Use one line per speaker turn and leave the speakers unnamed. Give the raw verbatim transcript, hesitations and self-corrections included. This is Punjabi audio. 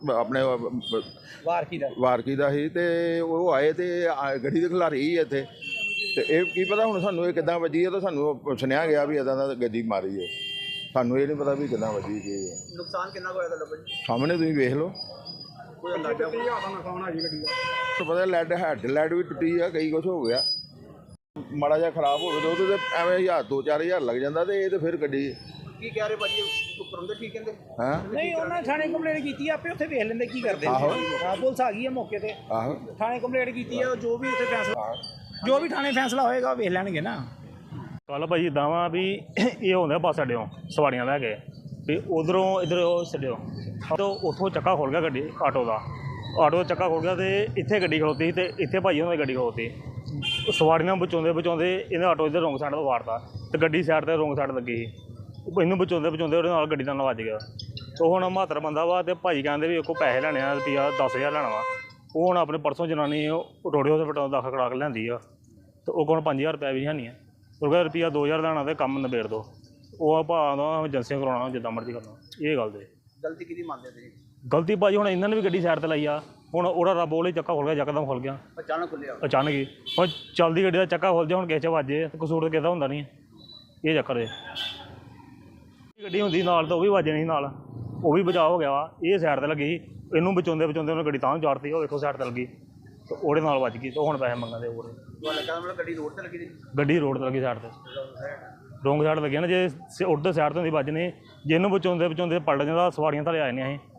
ਆਪਣੇ
ਵਾਰਕੀ ਦਾ
ਵਾਰਕੀ ਦਾ ਸੀ ਤੇ ਉਹ ਆਏ ਤੇ ਗੱਡੀ ਦੇ ਖਿਲਾਰੀ ਸੀ ਇੱਥੇ ਤੇ ਇਹ ਕੀ ਪਤਾ ਹੁਣ ਸਾਨੂੰ ਇਹ ਕਿੱਦਾਂ ਵੱਜੀ ਹੈ ਤਾਂ ਸਾਨੂੰ ਸੁਣਿਆ ਗਿਆ ਵੀ ਇੱਦਾਂ ਦਾ ਗੱਡੀ ਮਾਰੀ ਹੈ। ਸਾਨੂੰ ਇਹ ਨਹੀਂ ਪਤਾ ਵੀ ਕਿੱਦਾਂ ਵੱਜੀ ਕੀ ਹੈ।
ਨੁਕਸਾਨ ਕਿੰਨਾ ਹੋਇਆ ਤੁਹਾਡਾ ਭਾਜੀ?
ਸਾਹਮਣੇ ਤੁਸੀਂ ਵੇਖ ਲਓ।
ਕੋਈ ਅੰਦਾਜ਼ਾ ਕਿੰਨਾ ਨੁਕਸਾਨ ਆ ਜੀ ਗੱਡੀ ਦਾ?
ਪਤਾ ਲੈਡ ਹੈਡ ਲੈਡ ਵੀ ਟੁੱਟੀ ਆ, ਕਈ ਕੁਛ ਹੋ ਗਿਆ। ਮਾੜਾ ਜਿਹਾ ਖਰਾਬ ਹੋਵੇ ਤਾਂ ਉਹਦੇ ਤੇ ਐਵੇਂ ਹਜ਼ਾਰ ਦੋ ਚਾਰ ਹਜ਼ਾਰ ਲੱਗ ਜਾਂਦਾ ਤੇ ਇਹ ਤੇ ਫਿਰ ਗੱਡੀ
ਕੀ ਕਹਿ ਰਹੇ ਭਾਜੀ ਉੱਪਰ ਹੁੰਦੇ ਠੀਕ ਕਹਿੰਦੇ?
ਹਾਂ
ਨਹੀਂ ਉਹਨਾਂ ਥਾਣੇ ਕੰਪਲੇਂਟ ਕੀਤੀ ਆਪੇ ਉੱਥੇ ਵੇਖ ਲੈਂਦੇ ਕੀ ਕਰਦੇ।
ਆਹੋ
ਹਾਂ ਪੁਲਿਸ ਆ ਗਈ ਹੈ ਮੌਕੇ ਤੇ,
ਆਹੋ
ਥਾਣੇ ਕੰਪਲੇਂਟ ਕੀਤੀ ਹੈ, ਜੋ ਵੀ ਉੱਥੇ ਫੈਸਲਾ ਜੋ ਵੀ ਥਾਣੇ ਫੈਸਲਾ ਹੋਏਗਾ ਉਹ ਵੇਖ ਲੈਣਗੇ ਨਾ।
ਕੱਲ ਭਾਜੀ ਇੱਦਾਂ ਵਾ ਵੀ ਇਹ ਹੁੰਦਾ ਬੱਸ ਅੱਡਿਓਂ ਸਵਾਰੀਆਂ ਲੈ ਕੇ ਵੀ ਉਧਰੋਂ ਇੱਧਰ ਉਹ ਛੱਡਿਓ ਤਾਂ ਉੱਥੋਂ ਚੱਕਾ ਖੁੱਲ ਗਿਆ ਗੱਡੀ ਆਟੋ ਦਾ ਆਟੋ ਦਾ ਚੱਕਾ ਖੁੱਲ ਗਿਆ ਅਤੇ ਇੱਥੇ ਗੱਡੀ ਖਲੋਤੀ ਸੀ ਅਤੇ ਇੱਥੇ ਭਾਈ ਉਹਨਾਂ ਦੀ ਗੱਡੀ ਖਲੋਤੀ ਸਵਾਰੀਆਂ ਬਚਾਉਂਦੇ ਬਚਾਉਂਦੇ ਇਹਨੇ ਆਟੋ ਇੱਧਰ ਰੋਂਗ ਸਾਈਡ ਤੋਂ ਵਾਰਤਾ ਅਤੇ ਗੱਡੀ ਸਾਈਡ 'ਤੇ ਰੋਂਗ ਸਾਈਡ ਲੱਗੀ ਸੀ। ਇਹਨੂੰ ਬਚਾਉਂਦੇ ਬਚਾਉਂਦੇ ਉਹਦੇ ਨਾਲ ਗੱਡੀ ਨਾਲ ਵੱਜ ਗਿਆ। ਉਹ ਹੁਣ ਮਹੱਤਰ ਬੰਦਾ ਵਾ ਅਤੇ ਭਾਈ ਕਹਿੰਦੇ ਵੀ ਉਹ ਪੈਸੇ ਲੈਣੇ ਆ ਰੁਪਈਆ ਦਸ ਹਜ਼ਾਰ ਲੈਣਾ ਵਾ। ਉਹ ਹੁਣ ਆਪਣੇ ਪਰਸੋਂ ਜਨਾਨੀ ਰੋੜੇ ਹਸਪਤਾਲ ਦਾਖਲ ਕਰਾ ਕੇ ਲਿਆਂਦੀ ਆ ਅਤੇ ਉਹ ਕੋਲ ਪੰਜ ਹਜ਼ਾਰ ਰੁਪਇਆ ਵੀ ਹੈ ਨਹੀਂ ਆ। ਉਹ ਕਹਿੰਦਾ ਰੁਪਈਆ ਦੋ ਹਜ਼ਾਰ ਲੈਣਾ ਅਤੇ ਕੰਮ ਨਿਬੇੜ ਦਿਓ। ਉਹ ਭਾਅ ਦਾ ਏਜੰਸੀਆਂ ਕਰਾਉਣਾ ਜਿੱਦਾਂ ਮਰਜ਼ੀ ਕਰਨਾ। ਇਹ ਗੱਲ ਦੇ
ਗਲਤੀ ਕਿਹਦੀ ਮੰਨਦੇ ਤੁਸੀਂ?
ਗਲਤੀ ਭਾਜੀ ਹੁਣ ਇਹਨਾਂ ਨੇ ਵੀ ਗੱਡੀ ਸਾਈਡ 'ਤੇ ਲਾਈ ਆ। ਹੁਣ ਉਹਦਾ ਰੱਬ ਉਹਲੇ ਚੱਕਾ ਖੁੱਲ ਗਿਆ, ਯਕਦਮ ਖੁੱਲ ਗਿਆ
ਅਚਾਨਕ ਖੁੱਲਿਆ
ਅਚਾਨਕ ਹੀ। ਹੁਣ ਚੱਲਦੀ ਗੱਡੀ ਦਾ ਚੱਕਾ ਖੁੱਲ ਜਾ ਹੁਣ ਕਿਸੇ 'ਚ ਵੱਜੇ ਤਾਂ ਕਸੂਰ ਤਾਂ ਕਿਸੇ ਦਾ ਹੁੰਦਾ ਨਹੀਂ। ਇਹ ਚੱਕਰ ਹੈ ਗੱਡੀ ਹੁੰਦੀ ਨਾਲ ਤਾਂ ਉਹ ਵੀ ਵੱਜਣੀ ਨਾਲ, ਉਹ ਵੀ ਬਚਾਅ ਹੋ ਗਿਆ ਵਾ। ਇਹ ਸਾਈਡ 'ਤੇ ਲੱਗੀ ਇਹਨੂੰ ਬਚਾਉਂਦੇ ਬਚਾਉਂਦੇ ਉਹਨੇ ਗੱਡੀ ਤਾਂ ਚਾੜਤੀ। ਉਹ ਵੇਖੋ ਸਾਈਡ 'ਤੇ ਲੱਗੀ ਤੇ ਉਹਦੇ ਨਾਲ ਵੱਜ ਗਈ ਤੇ ਹੁਣ ਪੈਸੇ ਮੰਗਦੇ ਹੋਰ।
ਗੱਡੀ ਰੋਡ 'ਤੇ ਲੱਗੀ ਸੀ?
ਗੱਡੀ ਰੋਡ 'ਤੇ ਲੱਗੀ ਸਾਈਡ 'ਤੇ ਰੋਂਗ ਸਾਈਡ ਲੱਗੀ ਨਾ। ਜੇ ਉੱਧਰ ਸਾਈਡ ਤੋਂ ਹੁੰਦੀ ਵੱਜਣੀ ਜੇ ਇਹਨੂੰ ਬਚਾਉਂਦੇ ਬਚਾਉਂਦੇ ਪਲਟ ਜਾਂਦਾ ਸਵਾਰੀਆਂ ਥੱਲੇ ਆ ਜਾਂਦੀਆਂ ਸੀ।